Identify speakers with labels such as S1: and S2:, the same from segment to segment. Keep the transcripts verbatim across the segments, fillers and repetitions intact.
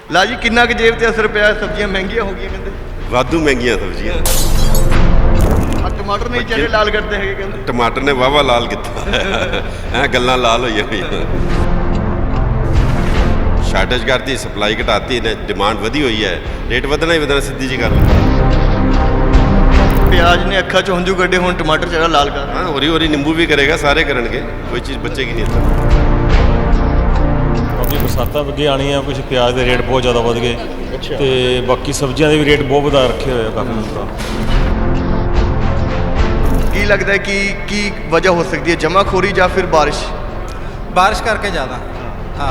S1: ਲਾ ਜੀ ਕਿੰਨਾ ਕੁ ਜੇਬ ਤੇ ਅਸਰ ਪਿਆ? ਸਬਜ਼ੀਆਂ ਮਹਿੰਗੀਆਂ ਹੋ ਗਈਆਂ ਕਹਿੰਦੇ।
S2: ਵਾਧੂ ਮਹਿੰਗੀਆਂ ਸਬਜ਼ੀਆਂ।
S1: ਆ ਟਮਾਟਰ ਨਹੀਂ ਚਿਹਰੇ ਲਾਲ ਕਰਦੇ ਹੈਗੇ ਕਹਿੰਦੇ।
S2: ਟਮਾਟਰ ਨੇ ਵਾਵਾ ਲਾਲ ਕੀਤਾ ਐ ਗੱਲਾਂ ਲਾਲ ਹੋਈਆਂ ਹੋਈਆਂ। ਸ਼ਾਰਟੇਜ ਕਰਤੀ, ਸਪਲਾਈ ਘਟਾਤੀ ਨੇ, ਡਿਮਾਂਡ ਵਧੀ ਹੋਈ ਹੈ, ਰੇਟ ਵਧਣਾ ਹੀ ਵਧਣਾ, ਸਿੱਧੀ ਜੀ ਗੱਲ।
S1: ਪਿਆਜ਼ ਨੇ ਅੱਖਾਂ 'ਚ ਹੰਝੂ ਕੱਢੇ, ਹੁਣ ਟਮਾਟਰ ਚਿਹਰਾ ਲਾਲ ਕਰ।
S2: ਹਾਂ, ਹੋਰੀ ਹੋਰੀ ਨਿੰਬੂ ਵੀ ਕਰੇਗਾ, ਸਾਰੇ ਕਰਨਗੇ, ਕੋਈ ਚੀਜ਼ ਬਚੇਗੀ ਨਹੀਂ ਇੱਦਾਂ।
S3: ਬਾਕੀ ਬਰਸਾਤਾਂ ਅੱਗੇ ਆਉਣੀਆਂ, ਕੁਝ ਪਿਆਜ਼ ਦੇ ਰੇਟ ਬਹੁਤ ਜ਼ਿਆਦਾ ਵਧ ਗਏ ਤੇ ਬਾਕੀ ਸਬਜ਼ੀਆਂ ਦੇ ਵੀ ਰੇਟ ਬਹੁਤ ਵਧਾ ਰੱਖੇ ਹੋਏ ਆ ਕਾਫੀ ਜ਼ਿਆਦਾ।
S1: ਕੀ ਲੱਗਦਾ ਹੈ ਕਿ ਕੀ ਵਜ੍ਹਾ ਹੋ ਸਕਦੀ ਹੈ, ਜਮਾਖੋਰੀ ਜਾਂ ਫਿਰ ਬਾਰਿਸ਼?
S4: ਬਾਰਿਸ਼ ਕਰਕੇ ਜ਼ਿਆਦਾ। ਹਾਂ।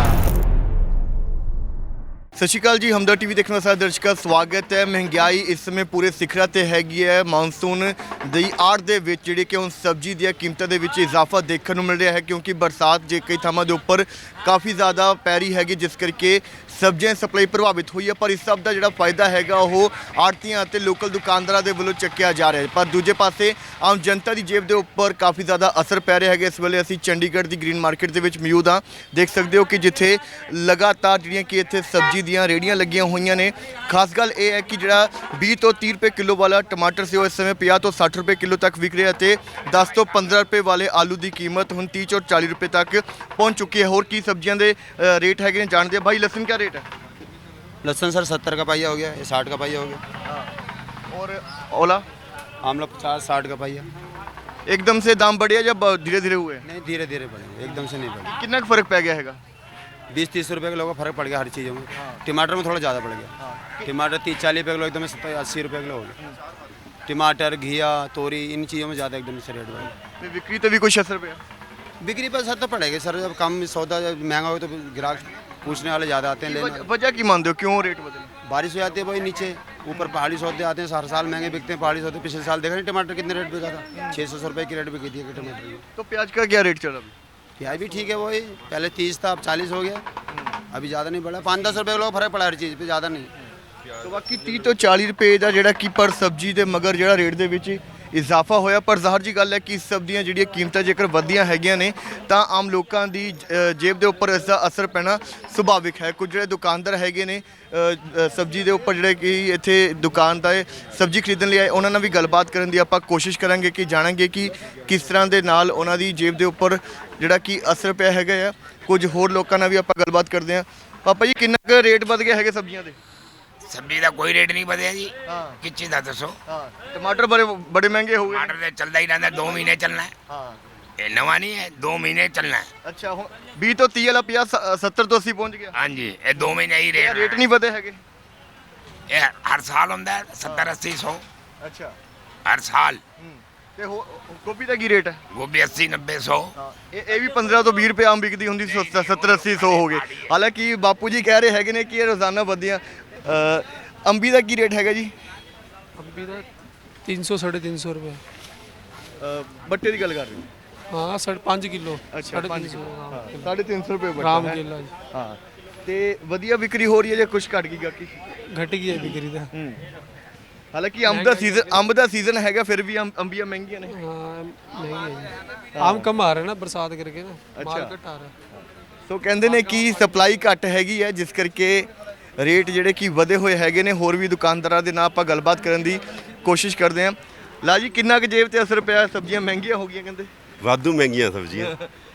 S1: ਸਤਿ ਸ਼੍ਰੀ ਅਕਾਲ ਜੀ, ਹਮਦਰ ਟੀਵੀ ਦੇਖਣ ਵਾਲੇ ਸਾਰੇ ਦਰਸ਼ਕਾਂ ਦਾ ਸਵਾਗਤ ਹੈ। ਮਹਿੰਗਾਈ ਇਸ ਸਮੇਂ ਪੂਰੇ ਸਿਖਰਾਂ ਤੇ ਹੈਗੀ ਹੈ। ਮਾਨਸੂਨ ਦੀ ਆੜ ਦੇ ਵਿੱਚ ਜਿਹੜੇ ਕਿ ਹੁਣ ਸਬਜ਼ੀ ਦੀਆਂ ਕੀਮਤਾਂ ਦੇ ਵਿੱਚ ਇਜ਼ਾਫਾ ਦੇਖਣ ਨੂੰ ਮਿਲ ਰਿਹਾ ਹੈ, ਕਿਉਂਕਿ ਬਰਸਾਤ ਜੇ ਕਈ ਥਾਵਾਂ ਦੇ ਉੱਪਰ ਕਾਫੀ ਜ਼ਿਆਦਾ ਪੈ ਰਹੀ ਹੈਗੀ, ਜਿਸ ਕਰਕੇ ਸਬਜ਼ੀਆਂ ਸਪਲਾਈ ਪ੍ਰਭਾਵਿਤ ਹੋਈ ਹੈ। ਪਰ ਇਸ ਸਭ ਦਾ ਜਿਹੜਾ ਫਾਇਦਾ ਹੈਗਾ ਉਹ ਆੜ੍ਹਤੀਆਂ ਅਤੇ ਲੋਕਲ ਦੁਕਾਨਦਾਰਾਂ ਦੇ ਵੱਲੋਂ ਚੱਕਿਆ ਜਾ ਰਿਹਾ ਹੈ। ਪਰ ਦੂਜੇ ਪਾਸੇ ਆਮ ਜਨਤਾ ਦੀ ਜੇਬ ਦੇ ਉੱਪਰ ਕਾਫੀ ਜ਼ਿਆਦਾ ਅਸਰ ਪੈ ਰਿਹਾ ਹੈਗਾ। ਇਸ ਵੇਲੇ ਅਸੀਂ ਚੰਡੀਗੜ੍ਹ ਦੀ ਗ੍ਰੀਨ ਮਾਰਕੀਟ ਦੇ ਵਿੱਚ ਮੌਜੂਦ ਹਾਂ। ਦੇਖ ਸਕਦੇ ਹੋ ਕਿ ਜਿੱਥੇ ਲਗਾਤਾਰ ਜਿਹੜੀਆਂ ਕਿ ਇੱਥੇ ਸਬਜ਼ੀ ਦੀਆਂ ਰੇਹੜੀਆਂ ਲੱਗੀਆਂ ਹੋਈਆਂ ਨੇ। ਖਾਸ ਗੱਲ ਇਹ ਹੈ ਕਿ ਜਿਹੜਾ ਵੀਹ ਤੋਂ ਤੀਹ ਰੁਪਏ ਕਿਲੋ ਵਾਲਾ ਟਮਾਟਰ ਸੀ ਉਹ ਇਸ ਸਮੇਂ ਪੰਜਾਹ ਤੋਂ ਸੱਠ ਰੁਪਏ ਕਿਲੋ ਤੱਕ ਵਿਕ ਰਿਹਾ ਅਤੇ ਦਸ ਤੋਂ ਪੰਦਰਾਂ ਰੁਪਏ ਵਾਲੇ ਆਲੂ ਦੀ ਕੀਮਤ ਹੁਣ ਤੀਹ ਤੋਂ ਚਾਲੀ ਰੁਪਏ ਤੱਕ ਪਹੁੰਚ ਚੁੱਕੀ ਹੈ। ਹੋਰ ਕੀ ਸਬਜ਼ੀਆਂ ਦੇ ਅ, ਰੇਟ ਹੈਗੇ ਨੇ ਜਾਣਦੇ ਆ। ਭਾਈ ਲਸਣ ਕਿਆ ਰੇਟ ਹੈ?
S4: लहसुन सर सत्तर का पाइया हो गया, ये साठ का पाइया हो गया।
S1: और ओला
S4: आमला पचास साठ का पाइया।
S1: एकदम से दाम बढ़े या धीरे धीरे हुए?
S4: नहीं, धीरे धीरे बढ़ेंगे, एकदम से नहीं बढ़े।
S1: कितना का फर्क पै गया हैगा?
S4: बीस तीस रुपये किलो का फर्क पड़ गया हर चीज़ों में। टमाटर में थोड़ा ज़्यादा पड़ गया। टमाटर तीस चालीस रुपये किलो, एकदम से अस्सी रुपये किलो हो गया। टमाटर, घिया, तोरी, इन चीज़ों में ज़्यादा एकदम से रेट बढ़ गया।
S1: बिक्री तो भी कुछ असर पे?
S4: बिक्री पर सर तो पड़ेगा सर, जब कम सौदा जब महंगा हो तो ग्राहक पूछने वाले ज़्यादा आते हैं लेने।
S1: वजह की मानते हो, क्यों रेट बदले?
S4: बारिश हो जाती है भाई, नीचे ऊपर पहाड़ी सौदे आते हैं, हर साल महंगे बिकते हैं पहाड़ी सौदे। पिछले साल देखा नहीं टमाटर कितने रेट बिका था, छः सौ रुपये की रेट बिकी थी टमाटर की।
S1: तो प्याज का क्या रेट चला?
S4: प्याज भी ठीक है, वही पहले तीस था, अब चालीस हो गया। अभी ज़्यादा नहीं बढ़ा, पाँच दस रुपये किलो फर्क पड़ा हर चीज़ पे, ज़्यादा नहीं।
S1: तो बाकी तीस तो चालीस रुपए ਦਾ ਜਿਹੜਾ ਕਿ ਪਰ ਸਬਜ਼ੀ ਦੇ ਮਗਰ ਜਿਹੜਾ ਰੇਟ ਦੇ ਵਿੱਚ ਇਜ਼ਾਫਾ ਹੋਇਆ। ਪਰ ਜ਼ਾਹਰ ਜੀ ਗੱਲ ਹੈ ਕਿ ਇਸ ਸਬਜ਼ੀਆਂ ਜਿਹੜੀਆਂ ਕੀਮਤਾਂ ਜੇਕਰ ਵਧੀਆਂ ਹੈਗੀਆਂ ਨੇ ਤਾਂ ਆਮ ਲੋਕਾਂ ਦੀ ਅ, ਜੇਬ ਦੇ ਉੱਪਰ ਇਸ ਦਾ ਅਸਰ ਪੈਣਾ ਸੁਭਾਵਿਕ ਹੈ। ਕੁਝ ਜਿਹੜੇ ਦੁਕਾਨਦਾਰ ਹੈਗੇ ਨੇ ਅ, ਅ, ਸਬਜ਼ੀ ਦੇ ਉੱਪਰ ਜਿਹੜੇ ਕਿ ਇੱਥੇ ਦੁਕਾਨ ਦਾ ਸਬਜ਼ੀ ਖਰੀਦਣ ਲਈ ਆਏ, ਉਹਨਾਂ ਨਾਲ ਵੀ ਗੱਲਬਾਤ ਕਰਨ ਦੀ ਆਪਾਂ ਕੋਸ਼ਿਸ਼ ਕਰਾਂਗੇ ਕਿ ਜਾਣਾਂਗੇ ਕਿ ਕਿਸ ਤਰ੍ਹਾਂ ਦੇ ਨਾਲ ਉਹਨਾਂ ਦੀ ਜੇਬ ਦੇ ਉੱਪਰ ਜਿਹੜਾ ਕਿ ਅਸਰ ਪਿਆ ਹੈਗਾ ਆ। ਕੁਝ ਹੋਰ ਲੋਕਾਂ ਨਾਲ ਵੀ ਆਪਾਂ ਗੱਲਬਾਤ ਕਰਦੇ ਹਾਂ। ਪਾਪਾ ਜੀ ਕਿੰਨਾ ਕੁ ਰੇਟ ਵਧ ਗਿਆ ਹੈਗੇ ਸਬਜ਼ੀਆਂ ਦੇ?
S5: सब्जी का कोई रेट नहीं बदलिया जी।
S1: हाँ।
S5: किस चीज़ का दसो?
S1: हाँ, टमाटर बड़े बड़े महंगे हो गए।
S5: टमाटर तो चलता ही रहता है, दो महीने चलना है।
S1: हाँ।
S5: ये नवा नहीं है, दो महीने चलना है।
S1: अच्छा हो बीस तो तीस वाला पिया सत्तर तो अस्सी पहुंच गया।
S5: हाँ जी, ये दो महीने ही
S1: ये
S5: रेट
S1: रेट नहीं बदे हैगे?
S5: ये हर साल होता है सत्तर अस्सी सौ
S1: अच्छा।
S5: हर साल।
S1: ਤੇ ਹੋ ਗੋਭੀ ਦਾ ਕੀ ਰੇਟ ਹੈ?
S5: गोभी अस्सी नब्बे सौ।
S1: ਹਾਂ ਇਹ ਇਹ ਵੀ ਪੰਦਰਾਂ ਤੋਂ ਵੀਹ ਰੁਪਏ ਆਮ ਵਿਕਦੀ ਹੁੰਦੀ ਸੀ, ਸੱਤਰ ਅੱਸੀ ਸੌ ਹੋ ਗਏ। ਹਾਲਾਂਕਿ ਬਾਪੂ ਜੀ ਕਹਿ ਰਹੇ ਹੈਗੇ ਨੇ ਕਿ ਇਹ ਰੋਜ਼ਾਨਾ ਵਧੀਆਂ। ਅ, ਅੰਬੀ ਦਾ ਕੀ ਰੇਟ ਹੈਗਾ ਜੀ?
S6: ਅੰਬੀ ਦਾ तीन सौ साढ़े तीन सौ रुपये।
S1: ਅ, ਬੱਟੇ ਦੀ ਗੱਲ ਕਰ ਰਹੇ ਹੋ?
S6: हाँ साढ़े पाँच किलो।
S1: ਅੱਛਾ
S6: साढ़े
S1: ਪੰਜ
S6: तीन सौ
S1: ਕਿਲੋ।
S6: हाँ,
S1: ਹਾਂ
S6: किलो।
S1: ਸਾਢੇ ਤਿੰਨ ਸੌ ਰੁਪਏ ਬੱਟਾ
S6: राम
S1: ਹੈ।
S6: केला जी
S1: ਹਾਂ ਤੇ ਵਧੀਆ ਵਿਕਰੀ ਹੋ ਰਹੀ ਹੈ ਜਾਂ ਕੁਝ ਘਟ ਗਈ ਗਾਕੀ?
S6: घट गई है बिक्री तो।
S1: ਹੂੰ ਹਾਲਾਂਕਿ ਅੰਬ ਦਾ ਸੀਜ਼ਨ ਅੰਬ ਦਾ ਸੀਜ਼ਨ ਹੈਗਾ, ਫਿਰ ਵੀ ਅੰਬ- ਅੰਬੀਆਂ ਮਹਿੰਗੀਆਂ ਨੇ।
S6: हाँ महंगी है जी। आम कम आ रहे हैं ना बरसात करके ना, माल
S1: अच्छा।
S6: घट आ रहा है।
S1: ਸੋ ਕਹਿੰਦੇ ਨੇ ਕਿ ਸਪਲਾਈ ਘੱਟ ਹੈਗੀ ਹੈ, ਜਿਸ ਕਰਕੇ ਰੇਟ ਜਿਹੜੇ ਕਿ ਵਧੇ ਹੋਏ ਹੈਗੇ ਨੇ। ਹੋਰ ਵੀ ਦੁਕਾਨਦਾਰਾਂ ਦੇ ਨਾਲ ਆਪਾਂ ਗੱਲਬਾਤ ਕਰਨ ਦੀ ਕੋਸ਼ਿਸ਼ ਕਰਦੇ ਹਾਂ। ਲਾ ਜੀ ਕਿੰਨਾ ਕੁ ਜੇਬ ਤੇ ਅਸਰ ਪਿਆ? ਸਬਜ਼ੀਆਂ ਮਹਿੰਗੀਆਂ ਹੋ ਗਈਆਂ ਕਹਿੰਦੇ।
S2: ਵਾਧੂ ਮਹਿੰਗੀਆਂ ਸਬਜ਼ੀਆਂ।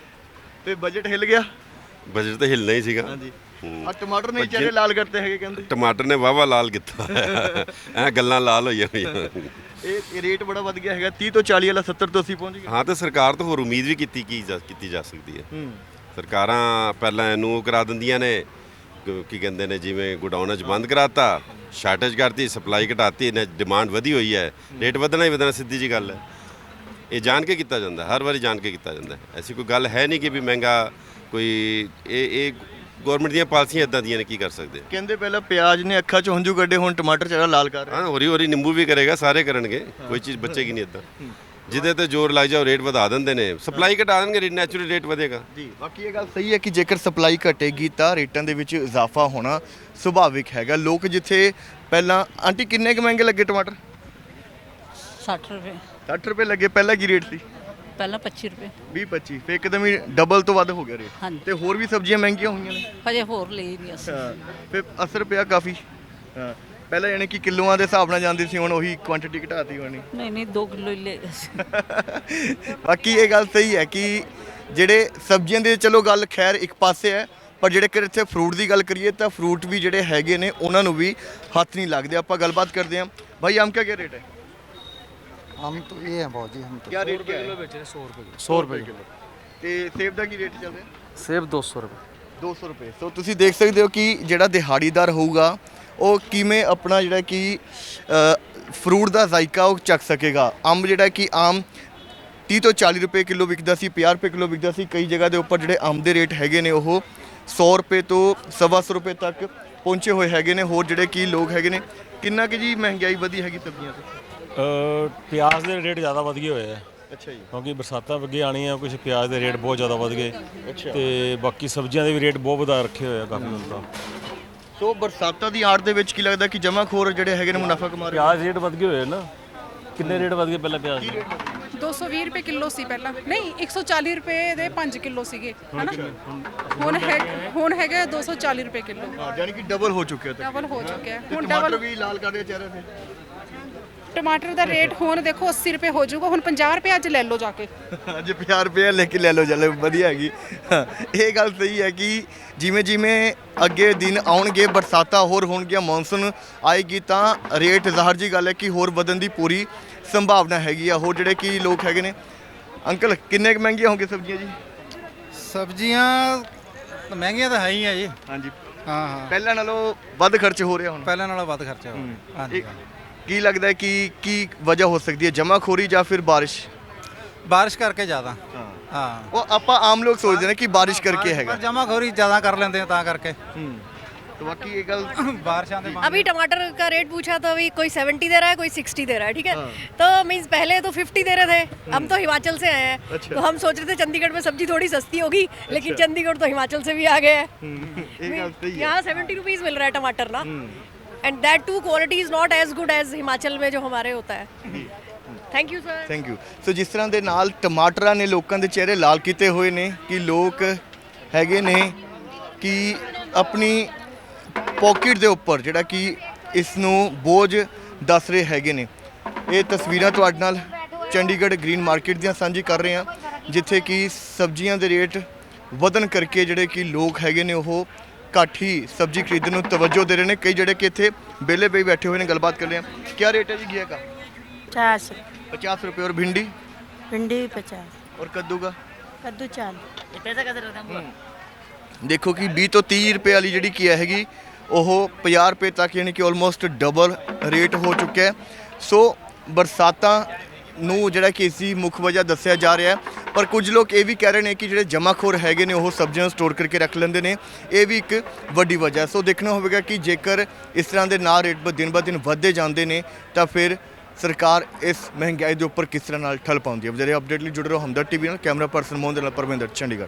S1: ਤੇ ਬਜਟ ਹਿੱਲ ਗਿਆ।
S2: ਬਜਟ ਤਾਂ ਹਿੱਲਣਾ ਹੀ ਸੀਗਾ।
S1: ਹਾਂਜੀ
S2: ਹੂੰ।
S1: ਆ ਟਮਾਟਰ ਨਹੀਂ ਚਿਹਰੇ ਲਾਲ ਕਰਤੇ ਹੈਗੇ ਕਹਿੰਦੇ।
S2: ਟਮਾਟਰ ਨੇ ਵਾਵਾ ਲਾਲ ਕੀਤਾ ਐ ਗੱਲਾਂ ਲਾਲ ਹੋਈਆਂ ਹੋਈਆਂ।
S1: ਇਹ ਇਹ ਰੇਟ ਬੜਾ ਵੱਧ ਗਿਆ ਹੈਗਾ, ਤੀਹ ਤੋਂ ਚਾਲੀ ਵਾਲਾ ਸੱਤਰ ਤੋਂ ਅੱਸੀ ਪਹੁੰਚ ਗਿਆ।
S2: ਹਾਂ, ਤੇ ਸਰਕਾਰ ਤੋਂ ਹੋਰ ਉਮੀਦ ਵੀ ਕੀਤੀ ਕੀ ਜਾ ਕੀਤੀ ਜਾ ਸਕਦੀ ਹੈ।
S1: ਹੂੰ
S2: ਸਰਕਾਰਾਂ ਪਹਿਲਾਂ ਇਹਨੂੰ ਉਹ ਕਰਾ ਦਿੰਦੀਆਂ ਨੇ, ਕ- ਕੀ ਕਹਿੰਦੇ ਨੇ, ਜਿਵੇਂ ਗੋਡਾਊਨਾਂ 'ਚ ਬੰਦ ਕਰਾਤਾ, ਸ਼ਾਰਟੇਜ ਕਰਤੀ, ਸਪਲਾਈ ਘਟਾਤੀ ਨੇ, ਡਿਮਾਂਡ ਵਧੀ ਹੋਈ ਹੈ, ਰੇਟ ਵਧਣਾ ਹੀ ਵਧਣਾ, ਸਿੱਧੀ ਜੀ ਗੱਲ ਹੈ। ਇਹ ਜਾਣ ਕੇ ਕੀਤਾ ਜਾਂਦਾ, ਹਰ ਵਾਰੀ ਜਾਣ ਕੇ ਕੀਤਾ ਜਾਂਦਾ। ਐਸੀ ਕੋਈ ਗੱਲ ਹੈ ਨਹੀਂ ਕਿ ਵੀ ਮਹਿੰਗਾ ਕੋਈ ਇਹ ਇਹ ਗਵਰਨਮੈਂਟ ਦੀਆਂ ਪਾਲਿਸੀਆਂ ਇਦਾਂ ਦੀਆਂ ਨੇ, ਕੀ ਕਰ ਸਕਦੇ।
S1: ਕਹਿੰਦੇ ਪਹਿਲਾਂ ਪਿਆਜ਼ ਨੇ ਅੱਖਾਂ 'ਚ ਹੰਝੂ ਕੱਢੇ, ਹੁਣ ਟਮਾਟਰ ਚਿਹਰਾ ਲਾਲ ਕਰ ਰਿਹਾ।
S2: ਹਾਂ, ਹੋਰੀ ਹੋਰੀ ਨਿੰਬੂ ਵੀ ਕਰੇਗਾ, ਸਾਰੇ ਕਰਨਗੇ, ਕੋਈ ਚੀਜ਼ ਬਚੇਗੀ ਨਹੀਂ ਇਦਾਂ। ਜਿਹਦੇ ਤੇ ਜ਼ੋਰ ਲੱਗ ਜਾਓ ਰੇਟ ਵਧਾ ਦਿੰਦੇ ਨੇ, ਸਪਲਾਈ ਘਟਾ ਦੇਣਗੇ, ਨੈਚੁਰਲ ਰੇਟ ਵਧੇਗਾ।
S1: ਜੀ ਬਾਕੀ ਇਹ ਗੱਲ ਸਹੀ ਹੈ ਕਿ ਜੇਕਰ ਸਪਲਾਈ ਘਟੇਗੀ ਤਾਂ ਰੇਟਾਂ ਦੇ ਵਿੱਚ ਇਜ਼ਾਫਾ ਹੋਣਾ ਸੁਭਾਵਿਕ ਹੈਗਾ। ਲੋਕ ਜਿੱਥੇ ਪਹਿਲਾਂ ਆਂਟੀ ਕਿੰਨੇ ਕੁ ਮਹਿੰਗੇ ਲੱਗੇ ਟਮਾਟਰ?
S7: साठ रुपये।
S1: ਸੱਠ ਰੁਪਏ ਲੱਗੇ, ਪਹਿਲਾਂ ਕੀ ਰੇਟ ਸੀ?
S7: ਪਹਿਲਾਂ ਪੱਚੀ ਰੁਪਏ
S1: ਵੀਹ ਪੱਚੀ ਫੇ ਇੱਕਦਮ ਹੀ ਡਬਲ ਤੋਂ ਵੱਧ ਹੋ ਗਿਆ ਰੇਟ
S7: ਹਾਂਜੀ।
S1: ਤੇ ਹੋਰ ਵੀ ਸਬਜ਼ੀਆਂ ਮਹਿੰਗੀਆਂ ਹੋਈਆਂ ਨੇ
S7: ਹਜੇ ਹੋਰ ਲਈ ਨਹੀਂ ਅਸੀਂ
S1: ਹਾਂ ਫੇ ਅਸਰ ਪਿਆ ਕਾਫੀ ਹਾਂ ਪਹਿਲਾਂ ਯਾਨੀ ਕਿ ਕਿਲੋਆਂ ਦੇ ਹਿਸਾਬ ਨਾਲ ਜਾਂਦੀ ਸੀ ਹੁਣ ਉਹੀ ਕੁਆਂਟੀਟੀ ਘਟਾਤੀ ਹੋਣੀ
S7: ਨਹੀਂ ਨਹੀਂ ਦੋ ਕਿਲੋ ਹੀ ਲੈ ਗਏ ਸੀ
S1: ਬਾਕੀ ਇਹ ਗੱਲ ਸਹੀ ਹੈ ਕਿ ਜਿਹੜੇ ਸਬਜ਼ੀਆਂ ਦੇ ਚਲੋ ਗੱਲ ਖੈਰ ਇੱਕ ਪਾਸੇ ਹੈ ਪਰ ਜਿਹੜੇ ਕਿ ਇੱਥੇ ਫਰੂਟ ਦੀ ਗੱਲ ਕਰੀਏ ਤਾਂ ਫਰੂਟ ਵੀ ਜਿਹੜੇ ਹੈਗੇ ਨੇ ਉਹਨਾਂ ਨੂੰ ਵੀ ਹੱਥ ਨਹੀਂ ਲੱਗਦੇ ਆਪਾਂ ਗੱਲਬਾਤ ਕਰਦੇ ਹਾਂ ਭਾਈ ਆਮ ਕਿਆ ਰੇਟ ਹੈ
S8: हम तो ये हैं बहुत जी हम तो
S1: क्या रेट क्या है
S6: सौ रुपये
S1: सौ रुपए किलो ਤੇ ਸੇਬ ਦਾ ਕੀ ਰੇਟ ਚੱਲ ਰਿਹਾ
S6: सेब दो सौ रुपये
S1: ਦੋ ਸੌ ਰੁਪਏ ਸੋ ਤੁਸੀਂ ਦੇਖ ਸਕਦੇ ਹੋ ਕਿ ਜਿਹੜਾ ਦਿਹਾੜੀਦਾਰ ਹੋਊਗਾ ਉਹ ਕਿਵੇਂ ਆਪਣਾ ਜਿਹੜਾ ਕਿ ਫਰੂਟ ਦਾ ਜ਼ਾਇਕਾ ਉਹ ਚੱਕ ਸਕੇਗਾ ਅੰਬ ਜਿਹੜਾ ਕਿ ਆਮ ਤੀਹ ਤੋਂ ਚਾਲੀ ਰੁਪਏ ਕਿਲੋ ਵਿਕਦਾ ਸੀ ਪੰਜਾਹ ਰੁਪਏ ਕਿਲੋ ਵਿਕਦਾ ਸੀ ਕਈ ਜਗ੍ਹਾ ਦੇ ਉੱਪਰ ਜਿਹੜੇ ਅੰਬ ਦੇ ਰੇਟ ਹੈਗੇ ਨੇ ਉਹ ਸੌ ਰੁਪਏ ਤੋਂ ਸਵਾ ਸੌ ਰੁਪਏ ਤੱਕ ਪਹੁੰਚੇ ਹੋਏ ਹੈਗੇ ਨੇ ਹੋਰ ਜਿਹੜੇ ਕੀ ਲੋਕ ਹੈਗੇ ਨੇ ਕਿੰਨਾ ਕਿ ਜੀ ਮਹਿੰਗਾਈ ਵਧੀ ਹੈਗੀ ਸਬਜ਼ੀਆਂ ਤੇ
S3: ਅ, ਪਿਆਜ਼ ਦੇ ਰੇਟ ਜ਼ਿਆਦਾ ਵਧ ਗਏ ਹੋਏ ਆ
S1: ਅੱਛਾ ਜੀ
S3: ਕਿਉਂਕਿ ਬਰਸਾਤਾਂ ਅੱਗੇ ਆਣੀਆਂ ਕੁਝ ਪਿਆਜ਼ ਦੇ ਰੇਟ ਬਹੁਤ ਜ਼ਿਆਦਾ ਵਧ ਗਏ ਤੇ ਬਾਕੀ ਸਬਜ਼ੀਆਂ ਦੇ ਵੀ ਰੇਟ ਬਹੁਤ ਵਧਾ ਰੱਖੇ ਹੋਏ ਆ ਕਾਫੀ ਹੁਣ ਤਾਂ
S1: ਸੋ ਬਰਸਾਤਾਂ ਦੀ ਆੜ ਦੇ ਵਿੱਚ ਕੀ ਲੱਗਦਾ ਕਿ ਜਮਾਖੋਰ ਜਿਹੜੇ ਹੈਗੇ ਨੇ ਮੁਨਾਫਾ ਕਮਾ ਰਹੇ
S3: ਪਿਆਜ਼ ਰੇਟ ਵਧ ਗਏ ਹੋਏ ਨਾ ਕਿੰਨੇ ਰੇਟ ਵਧ ਗਏ ਪਹਿਲਾਂ ਪਿਆਜ਼ ਦੇ
S9: ਦੋ ਸੌ ਵੀਹ ਰੁਪਏ ਕਿਲੋ ਸੀ ਪਹਿਲਾਂ ਨਹੀਂ ਇੱਕ ਸੌ ਚਾਲੀ ਰੁਪਏ ਦੇ ਪੰਜ ਕਿਲੋ ਸੀਗੇ ਹਨਾ ਹੁਣ ਹੈ ਹੁਣ ਹੈਗੇ ਦੋ ਸੌ ਚਾਲੀ ਰੁਪਏ ਕਿਲੋ
S1: ਹਾਂ ਯਾਨੀ ਕਿ ਡਬਲ ਹੋ ਚੁੱਕਿਆ ਤਾਂ
S9: ਡਬਲ ਹੋ ਚੁੱਕਿਆ ਹੈ। ਹੁਣ
S1: ਟਮਾਟਰ
S9: ਡਬਲ
S1: ਵੀ ਲਾਲ ਕਰ ਰਹੇ ਚਿਹਰੇ ਤੇ
S9: ਟਮਾਟਰ ਦਾ ਰੇਟ ਹੁਣ ਦੇਖੋ ਅੱਸੀ ਰੁਪਏ ਹੋ ਜਾਊਗਾ ਹੁਣ ਪੰਜਾਹ ਰੁਪਏ ਅੱਜ ਲੈ ਲਓ ਜਾ ਕੇ
S1: ਅੱਜ ਪੰਜਾਹ ਰੁਪਏ ਲੈ ਕੇ ਲੈ ਲਓ ਚੱਲ ਵਧੀਆ ਹੈਗੀ ਹਾਂ, ਇਹ ਗੱਲ ਸਹੀ ਹੈ ਕਿ ਜਿਵੇਂ ਜਿਵੇਂ ਅੱਗੇ ਦਿਨ ਆਉਣਗੇ ਬਰਸਾਤਾਂ ਹੋਰ ਹੋਣਗੀਆਂ ਮੌਨਸੂਨ ਆਏਗੀ ਤਾਂ ਰੇਟ ਜ਼ਾਹਰ ਜੀ ਗੱਲ ਹੈ ਕਿ ਹੋਰ ਵਧਣ ਦੀ ਪੂਰੀ ਸੰਭਾਵਨਾ ਹੈਗੀ ਆ ਹੋਰ ਜਿਹੜੇ ਕਿ ਲੋਕ ਹੈਗੇ ਨੇ ਅੰਕਲ ਕਿੰਨੇ ਕੁ ਮਹਿੰਗੀਆਂ ਹੋਣਗੀਆਂ ਸਬਜ਼ੀਆਂ ਜੀ
S8: सब्जियां तो महंगियां तो है ही है जी
S1: ਹਾਂਜੀ
S8: हाँ हाँ
S1: ਪਹਿਲਾਂ ਨਾਲੋਂ ਵੱਧ ਖਰਚ ਹੋ ਰਿਹਾ ਹੁਣ
S8: पहले नालों ਵੱਧ खर्चा हो हाँ जी
S1: ਇਹ ਕੀ ਲੱਗਦਾ ਹੈ ਕਿ ਕੀ ਵਜ੍ਹਾ ਹੋ ਸਕਦੀ ਹੈ ਜਮਾਖੋਰੀ ਜਾਂ ਫਿਰ ਬਾਰਿਸ਼
S8: बारिश करके ज़्यादा हाँ
S1: ਉਹ ਆਪਾਂ ਆਮ ਲੋਕ ਸੋਚਦੇ ਨੇ ਕਿ ਬਾਰਿਸ਼ ਕਰਕੇ ਹੈਗਾ
S8: पर जमाखोरी ज़्यादा कर लेते हैं ता करके
S1: ਹੂੰ तो बाकी ये गल
S8: बारिशां दे
S10: अभी टमाटर का रेट पूछा तो अभी कोई सेवेंटी दे रहा है कोई सिक्सटी दे रहा है ठीक है तो मीन्स पहले तो फिफ्टी दे रहे थे हम तो हिमाचल से आए हैं
S1: अच्छा।
S10: तो हम सोच रहे थे चंडीगढ़ में सब्जी थोड़ी सस्ती होगी लेकिन चंडीगढ़ तो हिमाचल से भी आ गए हैं
S1: ये गल सही है
S10: यहाँ सेवेंटी रुपीज़ मिल रहा है टमाटर ना and that too quality is not as good as Himachal में जो हमारे होता है thank you sir
S1: thank you so ਜਿਸ ਤਰ੍ਹਾਂ ਦੇ ਨਾਲ ਟਮਾਟਰਾਂ ਨੇ ਲੋਕਾਂ ਦੇ ਚਿਹਰੇ ਲਾਲ ਕੀਤੇ ਹੋਏ ਨੇ ਕਿ ਲੋਕ ਹੈਗੇ ਨੇ ਕਿ ਆਪਣੀ ਪਾਕਟ ਦੇ ਉੱਪਰ ਜਿਹੜਾ ਕਿ ਇਸ ਨੂੰ ਬੋਝ ਦੱਸ ਰਹੇ ਹੈਗੇ ਨੇ ਇਹ ਤਸਵੀਰਾਂ ਤੁਹਾਡੇ ਨਾਲ ਚੰਡੀਗੜ੍ਹ ਗ੍ਰੀਨ ਮਾਰਕੀਟ ਦੀਆਂ ਸਾਂਝੀ ਕਰ ਰਹੇ ਹਾਂ ਜਿੱਥੇ ਕਿ ਸਬਜ਼ੀਆਂ ਦੇ ਰੇਟ ਵਧਣ ਕਰਕੇ ਜਿਹੜੇ ਕਿ ਲੋਕ ਹੈਗੇ ਨੇ ਉਹ ਘੱਟ ਹੀ ਸਬਜ਼ੀ ਖਰੀਦਣ ਨੂੰ ਤਵੱਜੋ ਦੇ ਰਹੇ ਨੇ ਕਈ ਜਿਹੜੇ ਕਿ ਇੱਥੇ ਵਿਹਲੇ ਪਈ ਬੈਠੇ ਹੋਏ ਨੇ ਗੱਲਬਾਤ ਕਰ ਰਹੇ ਹਾਂ ਕੀ ਰੇਟ ਹੈ ਜੀ ਘੀਆ का
S7: पचास
S1: पचास रुपये और भिंडी
S7: भिंडी भी पचास
S1: और कद्दू का
S7: कद्दू चालीस पैसा कैसे
S1: ਦੇਖੋ ਕਿ ਵੀਹ ਤੋਂ ਤੀਹ ਰੁਪਏ ਵਾਲੀ ਜਿਹੜੀ ਕੀ ਹੈਗੀ ਉਹ ਪੰਜਾਹ ਰੁਪਏ ਤੱਕ ਯਾਨੀ ਕਿ ਆਲਮੋਸਟ ਡਬਲ ਰੇਟ ਹੋ ਚੁੱਕਿਆ ਹੈ ਸੋ ਬਰਸਾਤਾਂ ਨੂੰ ਜਿਹੜਾ ਕਿ ਇਸ ਦੀ ਮੁੱਖ ਵਜ੍ਹਾ ਦੱਸਿਆ ਜਾ ਰਿਹਾ ਹੈ ਪਰ ਕੁਝ ਲੋਕ ਇਹ ਵੀ ਕਹਿ ਰਹੇ ਨੇ ਕਿ ਜਿਹੜੇ ਜਮਾਖੋਰ ਹੈਗੇ ਨੇ ਉਹ ਸਬਜ਼ੀਆਂ ਸਟੋਰ ਕਰਕੇ ਰੱਖ ਲੈਂਦੇ ਨੇ ਇਹ ਵੀ ਇੱਕ ਵੱਡੀ ਵਜ੍ਹਾ ਸੋ ਦੇਖਣਾ ਹੋਵੇਗਾ ਕਿ ਜੇਕਰ ਇਸ ਤਰ੍ਹਾਂ ਦੇ ਨਾ ਰੇਟ ਦਿਨ ਬ ਦਿਨ ਵੱਧਦੇ ਜਾਂਦੇ ਨੇ ਤਾਂ ਫਿਰ ਸਰਕਾਰ ਇਸ ਮਹਿੰਗਾਈ ਦੇ ਉੱਪਰ ਕਿਸ ਤਰ੍ਹਾਂ ਨਾਲ ਠੱਲ ਪਾਉਂਦੀ ਹੈ ਜਿਹੜੇ ਅਪਡੇਟ ਲਈ ਜੁੜੇ ਰਹੋ ਹਮਦਰਦ ਟੀਵੀ ਨਾਲ ਕੈਮਰਾ ਪਰਸਨ ਮੋਹਨ ਦੇ ਨਾਲ ਪਰਮਿੰਦਰ ਚੰਡੀਗੜ੍ਹ।